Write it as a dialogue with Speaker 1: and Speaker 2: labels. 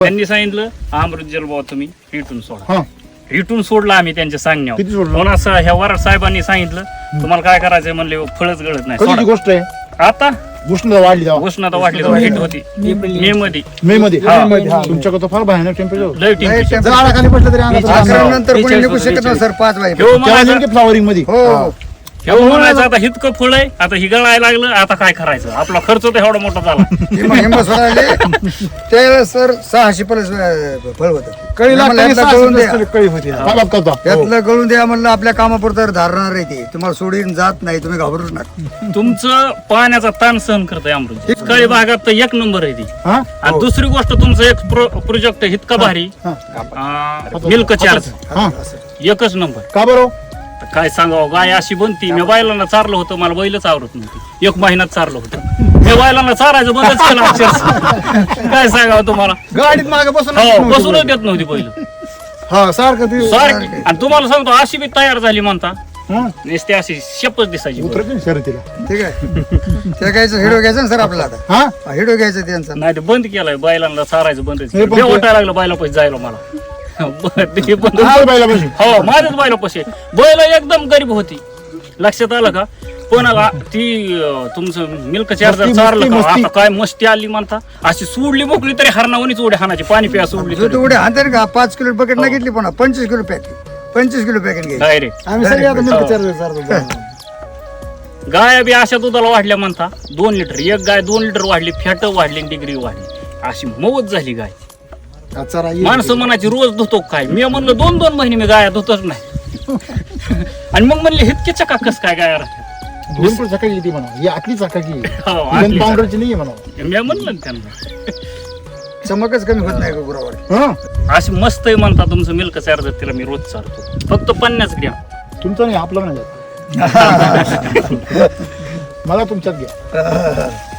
Speaker 1: त्यांनी सांगितलं अमृत जल बाबा तुम्ही रिटून सोडा.
Speaker 2: हा
Speaker 1: रिटून सोडला आम्ही त्यांच्या सांगण्यावर.
Speaker 2: किती सोडलं?
Speaker 1: म्हणून असं ह्या वराड साहेबांनी सांगितलं तुम्हाला काय करायचंय म्हणले फळच गळत नाही
Speaker 2: कधीची
Speaker 1: सोडा.
Speaker 2: गोष्ट आहे?
Speaker 1: आता
Speaker 2: उष्णता वाढली तेव्हा
Speaker 1: उष्णता वाढली तेव्हा हिट होती मे मध्ये
Speaker 2: मे मध्ये
Speaker 1: हा.
Speaker 2: तुमच्याकडे तर फार भयानक टेम्परेचर
Speaker 1: लय टेम्परेचर.
Speaker 2: झाडाखाली बसलं तरी अंगात राहणार.
Speaker 3: अकरा नंतर कोणी निघू शकत नाही सर 5 वाजे.
Speaker 1: ह्यो म्हणायचा
Speaker 2: फ्लॉवरिंग मध्ये
Speaker 3: हो
Speaker 1: आता हितकं फळ आहे आता ही गळायला लागलं आता काय करायचं आपला खर्च तर एवढा मोठा झाला.
Speaker 3: हिंमत सोडायले ते सर 600 प्लस फळ होतं.
Speaker 2: कळी
Speaker 3: आम्हाला
Speaker 2: लागताना
Speaker 3: यातलं गळून द्या.
Speaker 2: सासू कळी होती बाप करता.
Speaker 3: यातलं गळून द्या म्हणलं आपल्या कामापुरतं धारणार आहे ते. तुम्हाला सोडून जात नाही तुम्ही घाबरूच नका.
Speaker 1: तुमचं पाण्याचा ताण सहन करतंय अमृत. काही भागात तर एक नंबर आहे ती.
Speaker 2: हा
Speaker 1: आणि दुसरी गोष्ट तुमचं एक प्रोजेक्ट इतका भारी मिल्क चार्ज
Speaker 2: हा
Speaker 1: एकच नंबर.
Speaker 2: का बरं?
Speaker 1: काय सांगावं गाय अशी बनती मी बैलांना चारलं होतं मला बैलच आवडत नव्हती 1 महिन्यात चारलं होतं मी बैलांना चारायचं बंदच केलं अक्षरशः. काय सांगावं तुम्हाला
Speaker 2: गाडीत मागे बसून
Speaker 1: हो बसूनच देत नव्हती बैल
Speaker 2: हा सारखं ते
Speaker 1: सारखी. आणि तुम्हाला सांगतो अशी बी तयार झाली म्हणता
Speaker 2: हा,
Speaker 1: नुसती अशी शेपच दिसायची बैल.
Speaker 2: उतरत नाही शर्यतीला.
Speaker 3: ठीक आहे ते घ्यायचं हिडो घ्यायचं ना सर आपला आता.
Speaker 2: हा
Speaker 3: हिडो घ्यायचं त्यांचा.
Speaker 1: नाही ते बंद केलंय बैलांना चारायचं बंद
Speaker 2: हे पण
Speaker 1: वाटायला लागलं बैला पैसे जायला मला. ते बंद
Speaker 2: हा, बाईला बसून.
Speaker 1: हो माझ्याच बैला पैसे बैल एकदम गरीब होती लक्षात आलं का. पण ती तुमचं मिल्क चार्जर
Speaker 2: मस्ती,
Speaker 1: चारलं का
Speaker 2: मस्ती.
Speaker 1: आता काय मस्ती आली म्हणता अशी सोडली मोकली तरी हरणावणीच उड्या हाणाची पाणी प्या सोडली
Speaker 3: जो तेवढे हातात का 5 किलो पॅकेट नाही घेतली पण 25 किलो पॅकेट 25 किलो पॅकेट घ्यायची.
Speaker 1: डायरेक्ट
Speaker 2: आम्ही सगळे आता मिल्क चार्जर चारतो.
Speaker 1: गाय बी अशा दुधाला वाढल्या म्हणता 2 लिटर एक गाय 2 लिटर वाढली फॅट वाढली डिग्री वाढली अशी मौत झाली गाय. माणसं म्हणायची रोज धुतो काय मी म्हणलं 2-2 महिने मी गाया धुतच नाही. आणि मग म्हणले इतके चकाकस काय गाया राहतात.
Speaker 2: भरपूर सकाळी येते म्हणा ही आतली सकाळी
Speaker 1: हो, आतली
Speaker 2: पावडरची नाही म्हणा.
Speaker 1: मी म्हणलं ना त्यांना
Speaker 3: चमकच कमी होत नाही का गुरावर.
Speaker 2: हा
Speaker 1: अशी मस्त आहे म्हणता तुमचं मिल्क चार्जर तिला मी रोज चालतो फक्त 50 ग्रॅम.
Speaker 2: तुमचं नाही आपलं नाही मला तुमच्यात घ्या.